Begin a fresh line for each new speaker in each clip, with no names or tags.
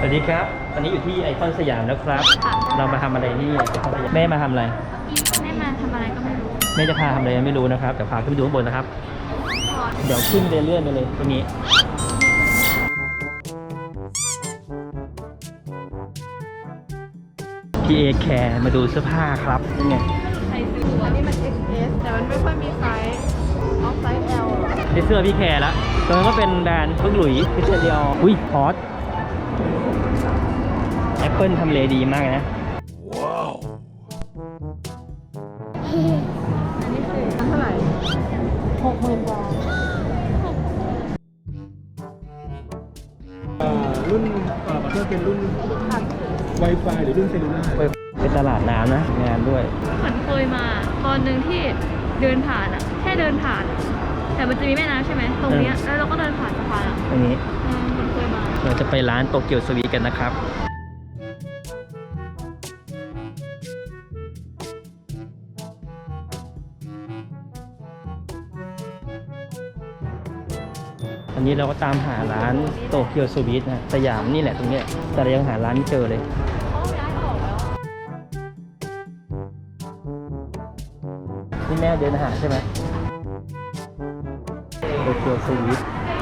วัสดีครับตอนนี้อยู่ที่ไอคอนสยามแล้วครับ เรามาทำอะไรที่ไอคอนสยามแม่มาทำอะไร
แม่มาทำอะไรก็ไม่รู้
แม่จะพาทำอะไรไม่รู้นะครับแต่พาขึ้นไปดูข้างบนนะครับ เดี๋ยวขึ้นเรื่อยๆไปเลยตรงนี้พี่เอแคร์มาดูเสื้อผ้าครับนี่ไง
ใส่ซื้ออันนี้มัน XS แต่มันไม่ค่อยมีไซส์เอาไซส์ L
ได้เสื้อพี่แคร์แล้วตรงนั้นก็เป็นแบรนด์พึ่งหลุยพิเศษเดียวอุ้ยพอสแอปเปิลทำเลดีมากนะ
ว้าวอันนี้คือเท่าไหร่60,000 บาท
รุ่นเพื่อเป็นรุ่น Wi-Fi หรือรุ่นเซลลูล่า
เป็นตลาดน้ำนะงานด้วย
เหมือนเคยมาตอนหนึ่งที่เดินผ่านอะแค่เดินผ่านแต่มันจะมีแม่น้ำใช่ไหมตรงนี้แล้วเราก็เดินผ่านสะพานอะ
ตรงนี้
เหมือนเคยมา
เราจะไปร้านโตเกียวสวีทกันนะครับอันนี้เราก็ตามหาร้านโตเกียวสวีทนะสยามนี่แหละตรงนี้แต่เรายังหาร้านไม่เจอเลยนี่แม่เดินหาใช่ไหมโตเกียวสวีท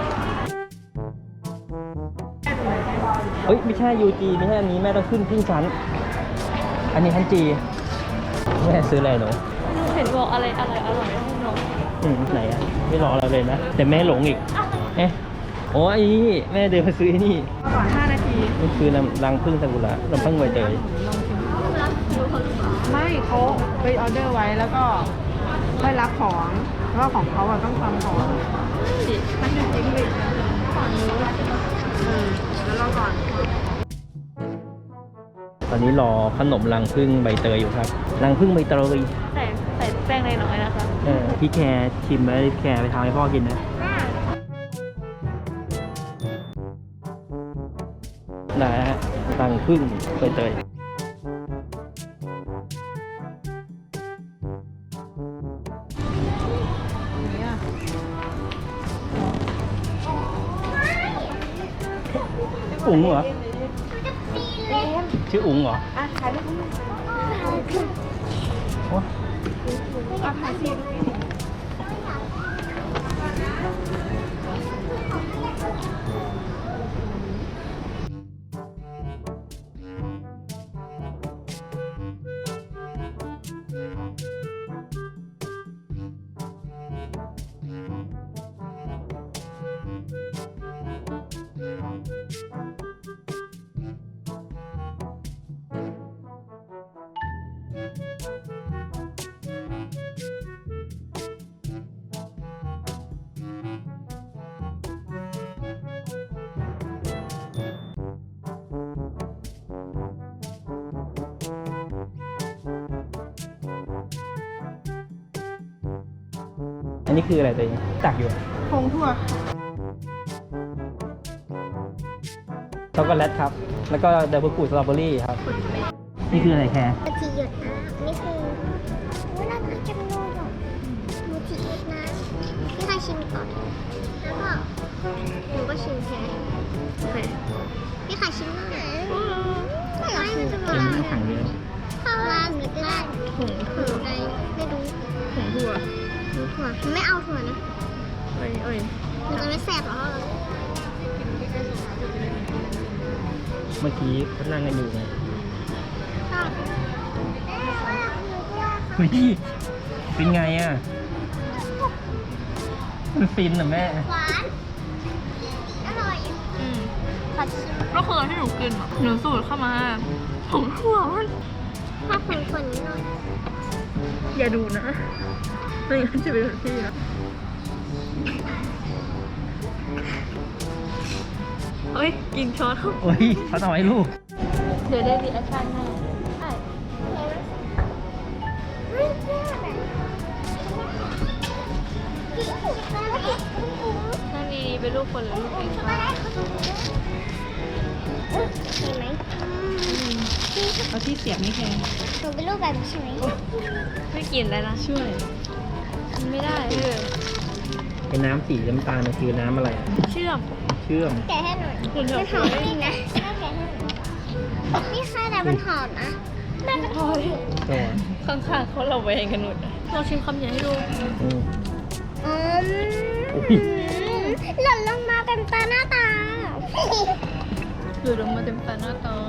เฮ้ยไม่ใช่ UG ไม่ใช่อันนี้แม่ต้องขึ้นครึ่งชั้นอันนี้ชั้น G แม่ซื้ออะไรหนู
เห็นบอกอะไรอร่อยให้น้อง
ไหนอะไม่รอเราเลยนะแต่แม่หลงอีกเอ๊ะโอ้ยแม่เดินมาซื้อนี่
ก่อน5 นาที
นี่คือรังผึ้งซากุระน้ำผึ้งใบเตย
ไม่เขาไปออเดอร์ไว้แล้วก็ได้รับของแล้วก็ของเขาต้องทำของมันอยู่จริงเลยฝั่งนู้นแล้วรอก่อน
ตอนนี้รอขนมรังผึ้งใบเตยอยู่ครับรังผึ้งใบเตย
ใส่แป้งน้อยๆนะคะ
พี่แคร์ชิมแล้วพี่แคร์ไปทำให้พ่อกินนะได้ฮะรังผึ้งใบเตยอุ๋งเหรอชื่ออุ๋งเหรอ
ถ่ายรูปถ่ายสิ
อันนี้คืออะไรตัวเองตักอยู่
ผงถั่ว
ช็อกโกแลตครับแล้วก็เดบิวต์สตรอเบอรี่ครับนี่คืออะไรแคร์
มูจิหยดน้ำนี่คือน่ารักจังเลยอ่ะมูจิหยดน้ำพี่ใครชิมก่อนแล้วก็หนูก็ชิมแทนโอเคพี่ใครชิมบ้างไม่อยากชิมจะ
เป็นถังเดียว
ข้าวราดหรือราดถุงอะไรไม่รู้
ผงถั่ว
ไม่เอาถั่วนะ
เอ้ย
มันจะไม่แสบหรอ
เมื่อกี้เขานั่งกันอยู่ไงเฮ้ยเป็นไงอ่ะมันฟินเหรอแม่
หวานอร่อย
ก็คือที่หนูกินหนูสูตรเข้ามาผงถั่วมัน
ถ้าคนนิดหน่อย
อย่าดูนะไม่งั้นจะเป็นพี่นะเฮ้ยกินช้อน
เฮ้ยเขาทำไมลูก
เดี๋ยวได้รีแอคชั่นแน่ใช่นั่นดีเป็นลูกคนหรือลูกเองคะ
เห็นไหม
เอาที่เสียบไม่แข็ง
หนูเป็นลูกแบบนี้ใช่ไหม
ไม่กินแล้วนะช่วยไม่ได้
เป็นน้ำสีน้ำตาลมันคือน้ำอะไร
เชื่อม
แกะให้หน่อย
คุณ
จะหอมจริงนะแกะนี่ค่ะแต่มันหอมนะแม่ก็ทอด
ตัว
ข้างๆเขาระแวงกันหมดลองชิมคำใหญ่ให้ดู
อืม
อืม
อุ๊ย
หล่นลงมาเต็มตาหน้าตา
หรือลงมาเต็มตาหน้าตา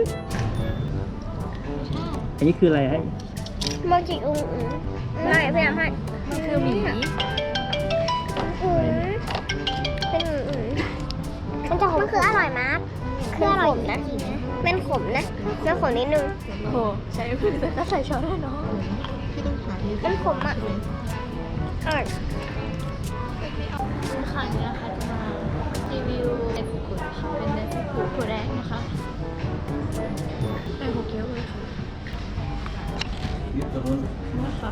อันนี้คืออะไรฮะ
โมจิอุ้งไม่พยายามให้
มันคือหมี
เป็นมันจะขมมันคืออร่อยมากคืออร่อยนะมันขมนะมันขมนิดนึง
โอ้ใช้มือแต่ก็ใส่ช้อนได้เนาะ
มันขมอ่ะอร่อย
ค่ะนี้นะคะจะมารีวิวเนฟุกุค่ะเป็นเนฟุกุถั่วแดงนะคะเป็นโฮเกียวเลยค่ะนะคะ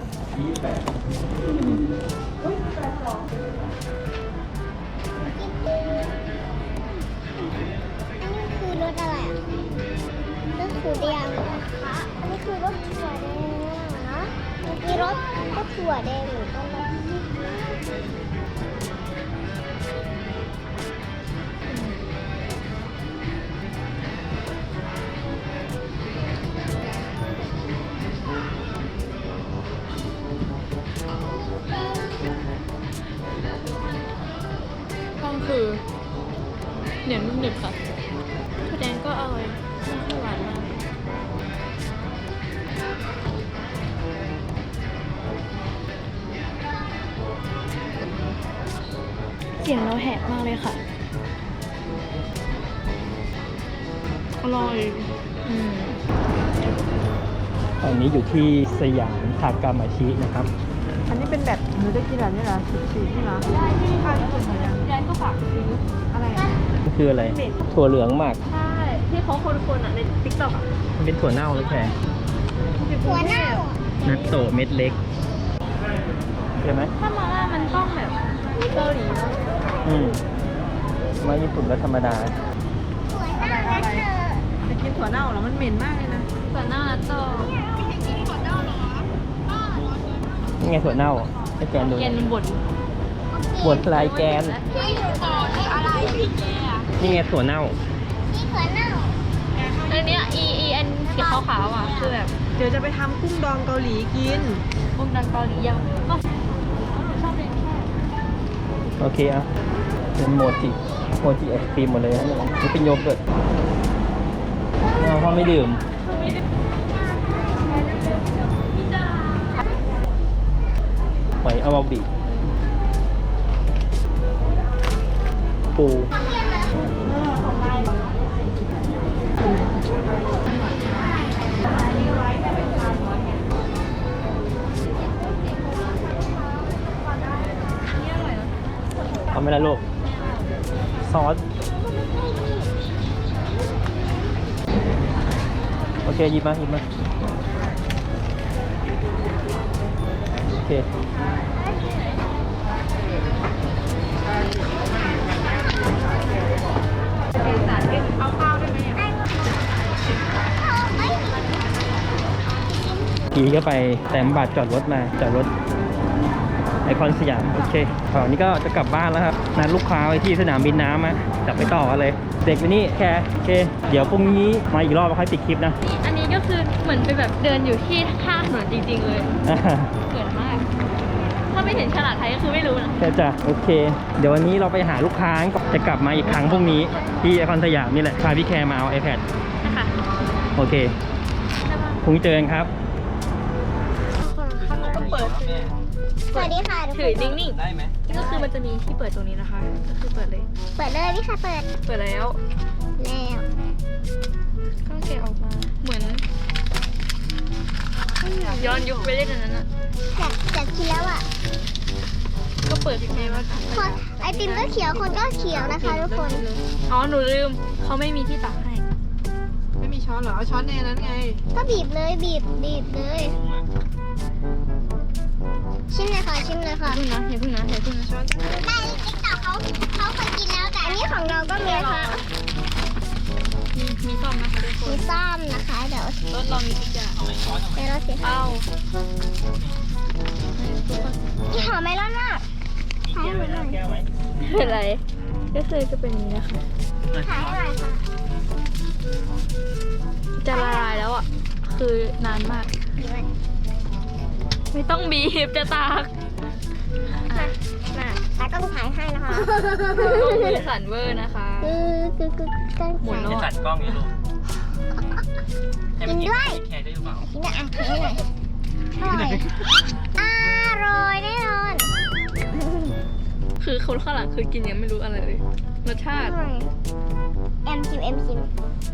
อันนี้คือรสอะไรอ่ะรสถั่วแดงเหรออันนี้คือรสถั่วแดงเหรอเมื่อกี้รสก็ถั่วแดงเหมือนกันเลย
ก็คือเหนียวนุ่มหนึบค่ะถั่วแดงก็อร่อยไม่ค่อยหวานมากเสียงเราแหบมากเลยค่ะอร่อยม
ตอนนี้อยู่ที่สยามทากามาชินะครับ
อันนี้เป็นแบบหนูได้กินแบบนี้เหรอสีนี่เหรอได้ที่ค่ะที่สุดเหมือนกันยายก็ฝากซื้ออะไรอ่ะ
นี่คืออะไร ถั่วเหลืองมาก
ใช่ที่เขาคนๆอ่ะในติ๊กต็อกอ่ะ
มันเป็นถั่วเน่าหรือแค่
ถั่วเน่า
นัตโตะเม็ดเล็กใช่ไหม
ถ้ามาล่ามันต้องแบบเกาหลีเนอะ
อืมมาญี่ปุ่นก็ธรรมดา
ถั่วเน่านะเธอ
จะกินถั่วเน่าเหรอมันเหม็นมากเลยนะถั่วเน่าแล้วก็
นี่ไงถั่วเน่าให้แกนดู
แกนมันบด
บดลายแกน
ที่อยู่ต่อคืออะไร
นี่ไงถั่วเน่า
ที่ถั่วเน่า
อันเนี้ยอันสีขาวๆอ่ะคือแบบ
เดี๋ยวจะไปทำกุ้งดองเกาหลีกิน
บุ้งดังเกาหลียังก็ชอบเลยแค่
โอเคอ่ะเป็นโมจิไอศครีมหมดเลยนะเนี่ยนี่เป็นโยเกิร์ตพ่อไม่ดื่มหอยอาวาบิปูเอาไหม่ละลูกซอสโอเคหยิบมาโอเคทีก็ไปแต้มบัตรจอดรถมาจอดรถไอคอนสยามโอเคตอนนี้ก็จะกลับบ้านแล้วครับนัดลูกค้าไว้ที่สนามบินน้ำอะจับไปต่อกันเลย เด็กอยู่นี่แค่โอเค เดี๋ยวพรุ่งนี้มาอีกรอบค่อยปิดคลิปนะ
อันนี้ก็คือเหมือนไปแบบเดินอยู่ที่ข้างถนนจริงๆเลยเกิดมาก ถ้าไม่เห็นฉลากไทยก็คือไม่รู้นะ
ใช่จ้ะโอเค เดี๋ยววันนี้เราไปหาลูกค้าจะกลับมาอีกครั้งพรุ่งนี้ที่ไอคอนสยามนี่แหละพาพี่แคร์มาเอา iPad
นะคะ
โอเคพรุ่งนี้เจอกันครับ
ข้างนอกก็เปิด
สวัสดีค่ะทุกค
ถือน นิ่ง
ได้ไหม
ๆก็คือมันจะมีที่เปิดตรงนี้นะคะ ก็คือเปิดเลย
เปิดเลยพี่ค่ะเปิด
เปิดแล้ว
แล้ว
ก็แกะออกมา เหมือนย้อนยุคไปเล่นอันนั้นอ่ะ
อยากกินแล้วอ่ะ
ก็เปิดที่ไหนว่า
คนไอติมก็เขียวคนก็เขียวนะคะทุกคน
อ๋อ หนูลืม เขาไม่มีที่ตักให้
ไม่มีช้อนเหรอ เอาช้อนในนั้นไง
ก็บีบเลยบีบเลย ชิมเลยค่ะชิมเลยค่ะ
อย่าเพิ่งนะอย่าเพิ่งนะ
ช้อน
ในติ๊กต็อกเขาเคยกินแล้วแต่อันนี้ของเราก็มีนะคะ
มีซ่อมนะคะทุกค
มี
น
ซ่อมนะคะ เดี๋ยว
รถเรามีทุกอย่าง
เราเสีย
เอา
ที่หอมเมลอนมากขายให้หน่อย
ไม่เป็นไร ก็คือจะเป็นอย่างนี้นะคะ
ขายให้หน่อยค่ะ
คือนานมาก ไม่ต้องบีบจะตาก
มาตากล้องถ่ายให้นะคะ
ต้องมือสั่นเวอร์นะคะ
กล้อง
หมุน
ถ่าย
โน่
ตัดกล้องอยู่ลูก
กินด้วย
แคร์ได้หรือเปล่า
กินอ่ะถ่ายให้หน่อยอร่อยแน่นอน
คือคนข้างหลังคือกินยังไม่รู้อะไรเลย รสชาติ
เอ็มชิม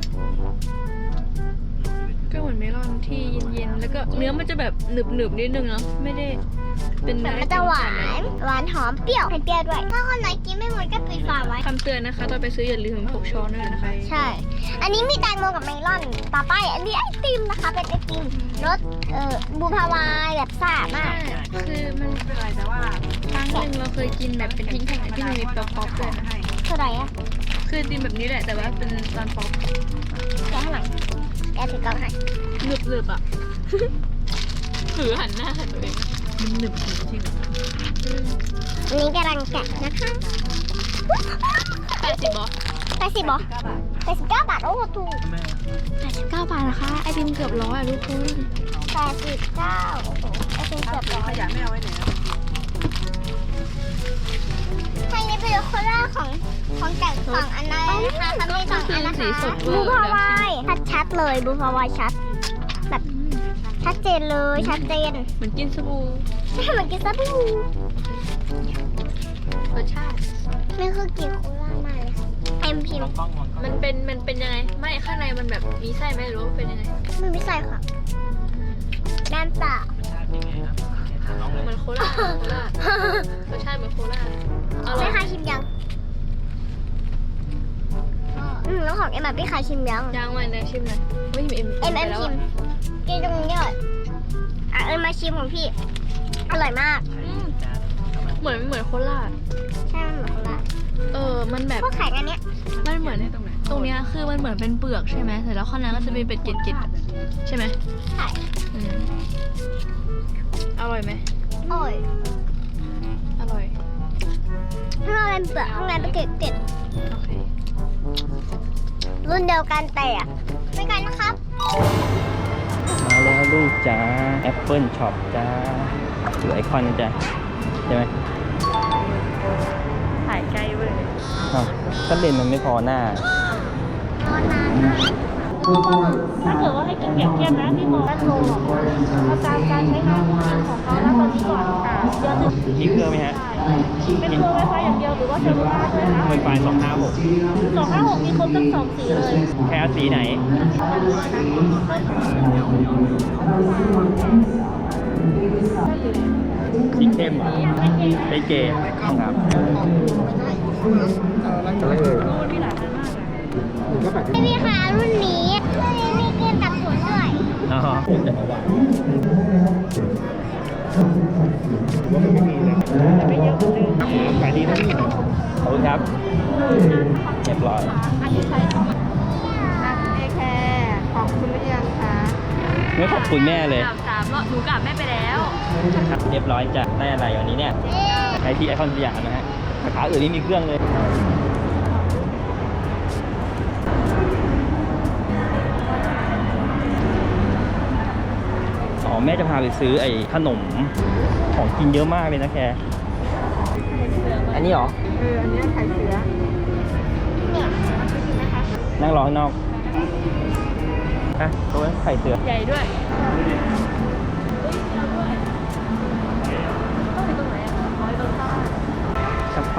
ก็เหมือนเมลอนที่เย็นๆ แล้วก็เนื้อมันจะแบบหนึบๆนิดนึงเนาะ ไม่ได้เป็น
แต่
เนื้อ
มันจะหวานหอมเปรี้ยวเปรี้ยวด้วย ถ้าคนไหนกินไม่หมดก็ปิดฝาไว้
คำเตือนนะคะตอนไปซื้ออย่าลืมพกช้อนด้วยนะคะ
ใช่ อันนี้มีแตงโมกับเมลอน ต่อไปอันนี้ไอติมนะคะ เป็นไอติมรสบูพาวายแบบซ่ามาก
คือมัน
ไม่เป็นไรแต่ว่า
ครั้งหนึ่งเราเคยกินแบบเป็นพิงค์แผ่นที่มันมีป๊อปๆด้วยนะ
เท่าไหร่อะ
คือดินแบบนี้แหละแต่ว่าเป็นตอนป๊อป
แกะให้หน่อยแกะถือกล้องให้
หนึบๆอ่ะ ถือหันหน้าหันตัวเอง
มันหนึบจริง
อันนี้กำลังแกะนะคะ
80บอ
80บาท89 บาท โอ้โหถูก
89 บาทนะคะ ไอติมเกือบร้อยอ่ะทุกคน
89 โอ้โหไอติมเกือบร้อย
ขยะไม่เอาไว้ไหนแล้ว
ใช่นี่เป็นโคล่าของจากฝั่งอันนั้นนะคะเขามีสองอันนะคะ
สีสดเว
บู
อร์
พาวายชัดเลยบูพาวายชัด แบบชัดเจนเลยชัดเจน
เหมือนกินสบู่
ไม่เหมือนกินซาบู
รสชาติ
นี่คือกินโคล่ามากเลยค่ะเอ็มพิมพ์
กล้องมองกล้อง
มันเป็นยังไง ไม่ข้างในมันแบบมีไส้ไหมหรือว่าเป็นยังไง
ไม่ใส่ค่ะน้ำเปล่าร
เหมือนโคลาเหมือนโคลารสชาติเหมือนโคลาอร่อ
ไม่
ย
ใครชิมยังแล้วของเอ็มแบบพี่ใครชิมยัง
ย่างมาเนี่ยชิมหน่อยไม่เอ็ม
เอ็ม
แล้ว
ชิมกินตรงนี้เลยอ่ะเอ็มมาชิมของพี่ อร่อยมาก
เหมือนโคลา
ใช่มันเหมือนโคล่า
มันแบบ
พวกไข่อันเนี้ย
มันเหมือนตรงเนี้ยคือมันเหมือนเป็นเปลือกใช่ไหมแต่แล้วข้างในก็จะมีเป็นเกล็ดๆใช่ไหม
ไข่
อืมอร่อยไหม
โอ้ย
อร่อย
ข้างนอกเป็นเปลือกข้างในเป็นเกล็ด
โอเค
ๆรุ่นเดียวกันแต่ไม่กันนะครับ
มาแล้วลูกจ้าแอปเปิลช็อปจ้าหรือไอคอนจ้ะใช่ไหม
ถ่ายใกล้เว้ย
อ้าวถ้าเลนส์มันไม่พอหน้า
รอนานมาก
ถ้าเกิดว่าให้กินเปรียบเทียบนะพี่มองว่าโลเอาตามการใช้งานจริงของเขาณตอนนี้ก่อนค่ะเดือนหนึ่ง
มีเครื่องไหมฮะ
เป็นตัว Wi-Fi อย่างเดียวหรือว่าเซลลูล่าด้วยนะ
ไวไฟ256
256มีครบทั้งสองสีเลย
แค่สีไหน สีเข้มเหรอไอเกตครับ
ไม่มีค่ะรุ่นนี้มีเกมตัดผลด้วย
อ๋อ
ว่ามันไม่มีเลยขายดีนะพี่
ขอบคุณครับ เรียบร้อย
อันนี้ใช้ของเอแคร์ของคุณหรือยังคะ
ไม่ขอบคุณแม่เลย
กราบ3 รอบหนูกราบแม่ไปแล้ว
ครับเรียบร้อยจ้ะได้อะไรวันนี้เนี่ยไอที่ไอคอนสยามนะฮะสาขาอื่นนี่มีเครื่องเลย อ๋อแม่จะพาไปซื้อไอ้ขนมของกินเยอะมากเลยนะแคอันนี้เหรอ
อันนี้ไข่เสือ
นั่งรอข้างนอกฮะตัวนั้นไข่เสือ
ใหญ่ด้วยต้องไปตรงไหนอ่ะขอไปตรงข้าง
ชักไฟ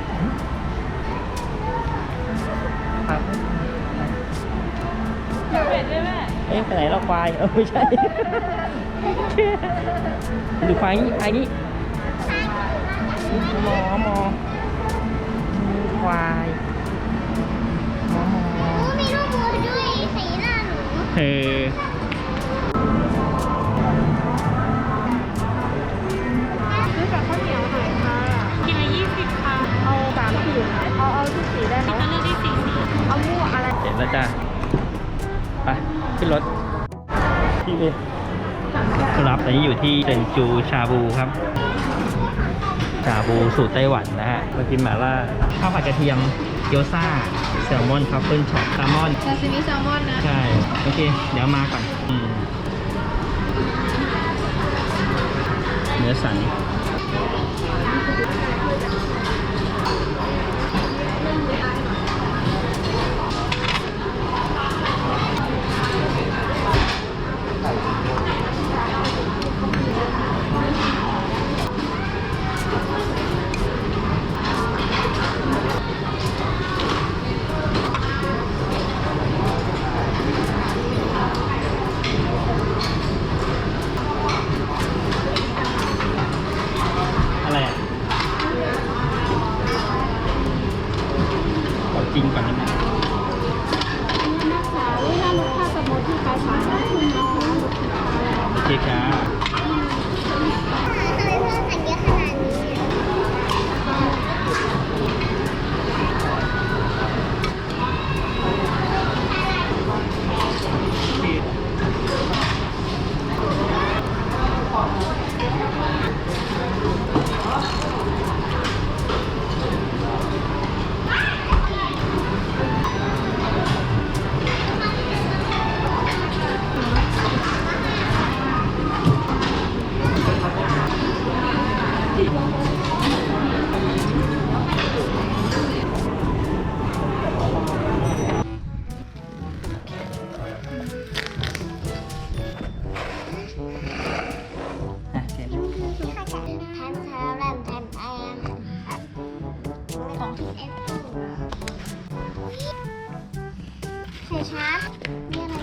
ครับ
เผ็ดด้วยแม่
เอ๊ะไปไหนเราควายไม่ใช่ ดูควายนี่ควายนี่หมอควายหมอ
มีลูกมือด้วยสีหน้าหนู
เออ
ซื้อกับข้าวเหนียวหน่อยค่ะ
กินละ20ค่ะ
เอา3ขีดเอาทุกสีได้ไหม
จะเลือกที่4สี
เอามั่วอะไร
เสร็จแล้วจ้ะไปขึ้นรถที่เอครับตอนนี้อยู่ที่เซนจูชาบูครับ ชาบูสูตรไต้หวันนะฮะมากินหม่าล่าข้าวผัดกระเทียมเกี๊ยวซ่าแซลมอนทัฟเฟิลช็อปแซลมอน
ซาซิมิแซลมอนนะ
ใช่ โอเค เดี๋ยวมาก่อนเนื้อสันอะไรอ่ะเอาจริงก่อนได้ไหมโอเคครับ
ทำไมเพื่อนสั่งเยอะขนาดนี้
อ่ะเสร็จแล้ว
แทนของที่เอฟใส่ชาร์จนี่อะไร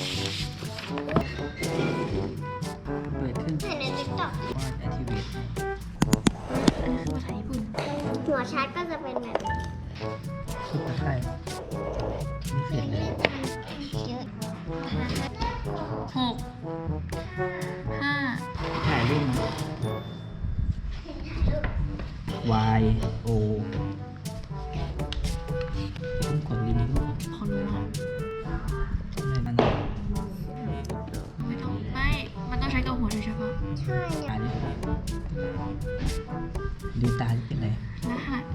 เปิดขึ้น
ใส่ในติ๊กต็อก
ว่า activate
อันนี้คือภาษาญี่ปุ่น
หัวชาร์จก็จะเป็นแบบ
สุดตะไคร้ไม่เสร็จเลย
เยอะ
หกห้า
ถ่ายรูปนะ Y O ต้องกดลิงก์ด้วย
พอรู้แล้ว
อะไรมัน
ไม่ต้องไม่ มันต้องใช้ตัวหัวโดยเฉพาะ
ใช่เนี่ย
ถ่ายดิดูตาจะเป็นไร
รหัส